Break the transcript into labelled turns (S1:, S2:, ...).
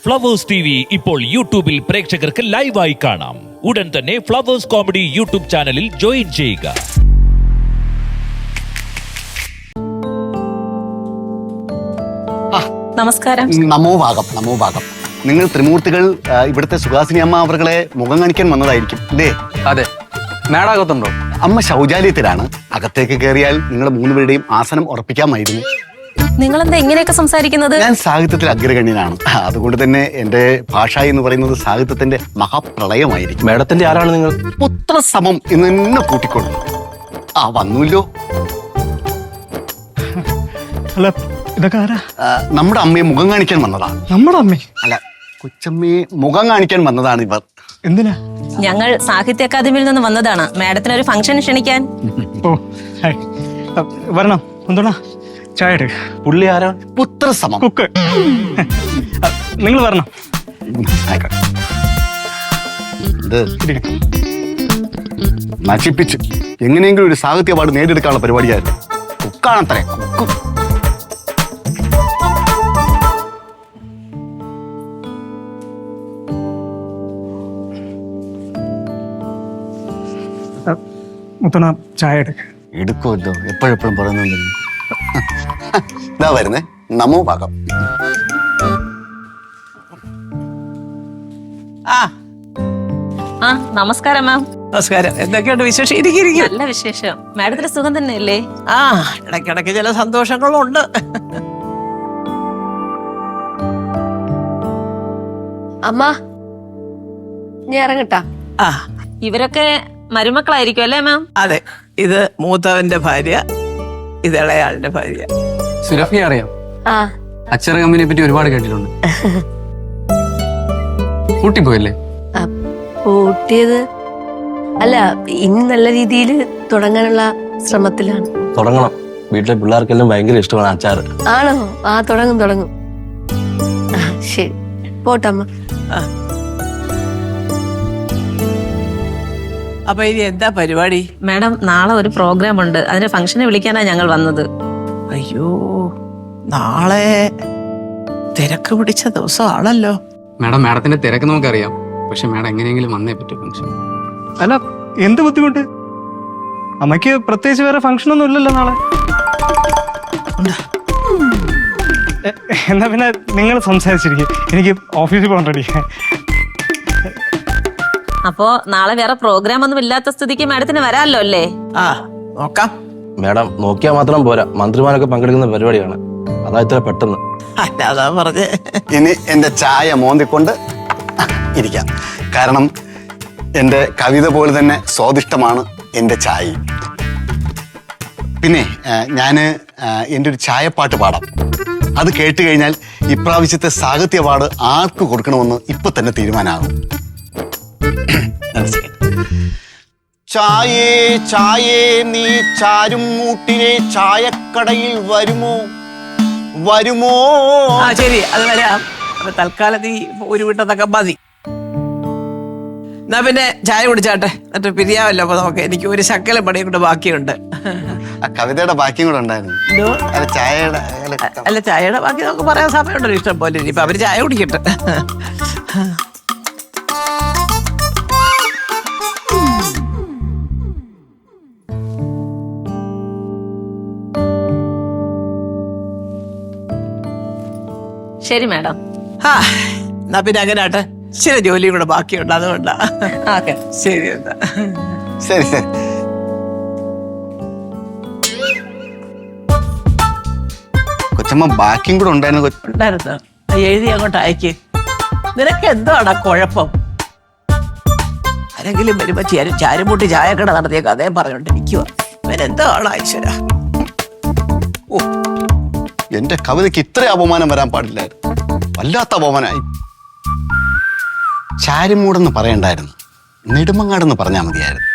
S1: Flowers TV ഇപ്പോൾ യൂട്യൂബിൽ പ്രേക്ഷകർക്ക് ലൈവായി കാണാം. ഉടൻ തന്നെ ഫ്ലവേഴ്സ് കോമഡി യൂട്യൂബ് ചാനലിൽ ജോയിൻ ചെയ്യുക.
S2: നമസ്കാരം.
S3: നമോഭാഗം. നിങ്ങൾ ത്രിമൂർത്തികൾ ഇവിടുത്തെ സുഹാസിനി അമ്മ അവരുടെ മുഖം കാണിക്കാൻ വന്നതായിരിക്കും അല്ലേ?
S4: അതെ. മേടാകത്തുണ്ടോ?
S3: അമ്മ ശൗചാലയത്തിലാണ്. അകത്തേക്ക് കയറിയാൽ നിങ്ങളുടെ മൂന്നുപേരുടെയും ആസനം ഉറപ്പിക്കാമായിരുന്നു.
S2: നിങ്ങളെന്താ ഇങ്ങനെയൊക്കെ സംസാരിക്കുന്നത്?
S3: ഞാൻ സാഹിത്യത്തിൽ അഗ്രഗണ്യനാണ്. അതുകൊണ്ട് തന്നെ എന്റെ ഭാഷ എന്ന് പറയുന്നത് സാഹിത്യത്തിന്റെ മഹാപ്രളയമായിരിക്കും.
S4: മേഡത്തിന്റെ ആരാണ് നിങ്ങൾ?
S3: പുത്രസമം എന്ന് തന്നെ കൂട്ടിക്കൊള്ളു. വന്നൂല്ലോ.
S5: അല്ല, ഇതൊക്കെ ആരാ?
S3: നമ്മുടെ അമ്മയെ മുഖം കാണിക്കാൻ വന്നതാ.
S5: നമ്മുടെ അമ്മേ?
S3: അല്ല, കൊച്ചമ്മയെ മുഖം കാണിക്കാൻ വന്നതാണ് ഇവർ.
S5: എന്തിനാ?
S2: ഞങ്ങൾ സാഹിത്യ അക്കാദമിയിൽ നിന്ന് വന്നതാണ് മാഡത്തിന് ഒരു ഫംഗ്ഷൻ ക്ഷണിക്കാൻ.
S5: ഓ, ഹായ്. വരണം. എന്തോടാ ചായ എടുക്ക.
S4: പുള്ളി ആരാണ്?
S3: പുത്രസമം.
S5: കുക്ക്. നിങ്ങൾ വരണം.
S3: ഇത് നശിപ്പിച്ച് എങ്ങനെയെങ്കിലും ഒരു സാഹിത്യ അവാർഡ് നേടിയെടുക്കാനുള്ള പരിപാടിയായിരുന്നു. കുക്കാണത്രേ, കുക്ക്.
S5: മുത്തണ ചായ എടുക്ക.
S3: എടുക്കുമല്ലോ, എപ്പോഴെപ്പോഴും പറയുന്നുണ്ട്. ഇതാ വരുന്നേ. നമോഭാഗം.
S2: നമസ്കാരം മാം.
S6: നമസ്കാരം. എന്തൊക്കെയുണ്ട് വിശേഷം? ഇരിക്കും.
S2: നല്ല വിശേഷം. മാഡത്തിന് സുഖം തന്നെയല്ലേ?
S6: ഇടയ്ക്കിടയ്ക്ക് ചില സന്തോഷങ്ങളുണ്ട്.
S7: അമ്മ ഞാൻ ഇറങ്ങട്ടാ.
S2: ഇവരൊക്കെ മരുമക്കളായിരിക്കും അല്ലേ മാം?
S6: അതെ, ഇത് മൂത്തവന്റെ ഭാര്യ, ഇത് ഇളയാളിന്റെ ഭാര്യ.
S4: സുരഫിയെ അറിയാം?
S7: ആ,
S4: അച്ചറ കമ്പനിയെ പറ്റി ഒരുപാട് കേട്ടിട്ടുണ്ട്. കൂട്ടിപ്പോയല്ലേ?
S7: പൂട്ടിയത് അല്ല, ഇനി നല്ല രീതിയിൽ തുടങ്ങാനുള്ള ശ്രമത്തിലാണ്.
S4: തുടങ്ങണം. വീട്ടിലെ പിള്ളേർക്കെല്ലാം ഭയങ്കര ഇഷ്ടമാണ് അച്ചാറ്.
S7: ആണോ? തുടങ്ങും. ശരി, പോട്ടമ്മ.
S6: അപ്പൊ ഇനി എന്താ പരിപാടി?
S2: മാഡം, നാളെ ഒരു പ്രോഗ്രാം ഉണ്ട്. അതിന് ഫംഗ്ഷന് വിളിക്കാനാണ് ഞങ്ങൾ വന്നത്.
S6: അയ്യോ, നാളെ തിരക്ക് പിടിച്ച ദിവസമാണല്ലോ.
S4: മാഡത്തിന്റെ തിരക്ക് നമുക്കറിയാം. പക്ഷെ മാഡം എങ്ങനെയെങ്കിലും വന്നേ പറ്റൂ ഫംഗ്ഷൻ.
S5: അല്ല, എന്ത് ബുദ്ധിമുട്ട്? അമ്മയ്ക്ക് പ്രത്യേകിച്ച് വേറെ ഫംഗ്ഷൻ ഒന്നും ഇല്ലല്ലോ നാളെ. എന്നാ പിന്നെ നിങ്ങൾ സംസാരിച്ചിരിക്കും. എനിക്ക് ഓഫീസിൽ പോകണ്ടടി.
S2: അപ്പോ നാളെ വേറെ പ്രോഗ്രാം ഒന്നും ഇല്ലാത്ത സ്ഥിതിക്ക് മാഡത്തിന് വരാമല്ലോ അല്ലേ?
S6: നോക്കാം.
S4: മാഡം നോക്കിയാൽ മാത്രം പോരാ, മന്ത്രിമാരൊക്കെ പങ്കെടുക്കുന്ന പരിപാടിയാണ്. അതാ ഇത്ര പെട്ടെന്ന്.
S6: അതാ പറഞ്ഞേ.
S3: ഇനി എന്റെ ചായ മോന്തിക്കൊണ്ട് ഇരിക്കാം. കാരണം എന്റെ കവിത പോലെ തന്നെ സ്വാദിഷ്ടമാണ് എന്റെ ചായ. പിന്നെ ഞാന് എൻ്റെ ഒരു ചായപ്പാട്ട് പാടാം. അത് കേട്ട് കഴിഞ്ഞാൽ ഇപ്രാവശ്യത്തെ സാഹിത്യ അവാർഡ് ആർക്ക് കൊടുക്കണമെന്ന് ഇപ്പൊ തന്നെ തീരുമാനമാകും. ചായേ ചായേ നീ ചാരും മൂട്ടിലെ ചായക്കടയിൽ വരുമോ?
S6: ശരി, അത് വരാം. അപ്പൊ തൽക്കാലം നീ ഒരു വീട്ടത്തൊക്കെ മതി. എന്നാ പിന്നെ ചായ കുടിച്ചാട്ടെ, എന്നിട്ട് പിരിയാവല്ലോ. അപ്പൊ നമുക്ക് എനിക്ക് ഒരു ശക്കല പണിയും കൂടെ ബാക്കിയുണ്ട്.
S3: കവിതയുടെ ബാക്കിയും കൂടെ ഉണ്ടായിരുന്നു.
S6: അല്ല, ചായയുടെ ബാക്കി നമുക്ക് പറയാൻ സമയമുണ്ടല്ലോ ഇഷ്ടം പോലെ. ഇനിയിപ്പൊ അവര് ചായ കുടിക്കട്ടെ.
S2: ശരി മാഡം.
S6: എന്നാ പിന്നെ അങ്ങനെ ആട്ടെ. ചില ജോലിയും കൂടെ ബാക്കിയുണ്ട്, അതുകൊണ്ടാ.
S2: ഓക്കെ,
S6: ശരി. എന്താ
S3: ശരി. കൊച്ചമ്മ ബാക്കിയും കൂടെ ഉണ്ടായിരുന്നു.
S6: ഉണ്ടായിരുന്നു. എഴുതി അങ്ങോട്ട് അയക്ക്. നിനക്ക് എന്താണ് കുഴപ്പം? ആരെങ്കിലും വരുമ്പോ ചാരുമുട്ടി ചായക്കട നടത്തിയ കഥയും പറഞ്ഞോണ്ടിരിക്കുക. ഇവനെന്താണ് ഈശ്വര?
S3: എന്റെ കവിതയ്ക്ക് ഇത്ര അപമാനം വരാൻ പാടില്ലായിരുന്നു. വല്ലാത്ത അപമാനമായി. ചാരുമൂടെന്ന് പറയണ്ടായിരുന്നു, നെടുമങ്ങാടെന്ന് പറഞ്ഞാൽ മതിയായിരുന്നു.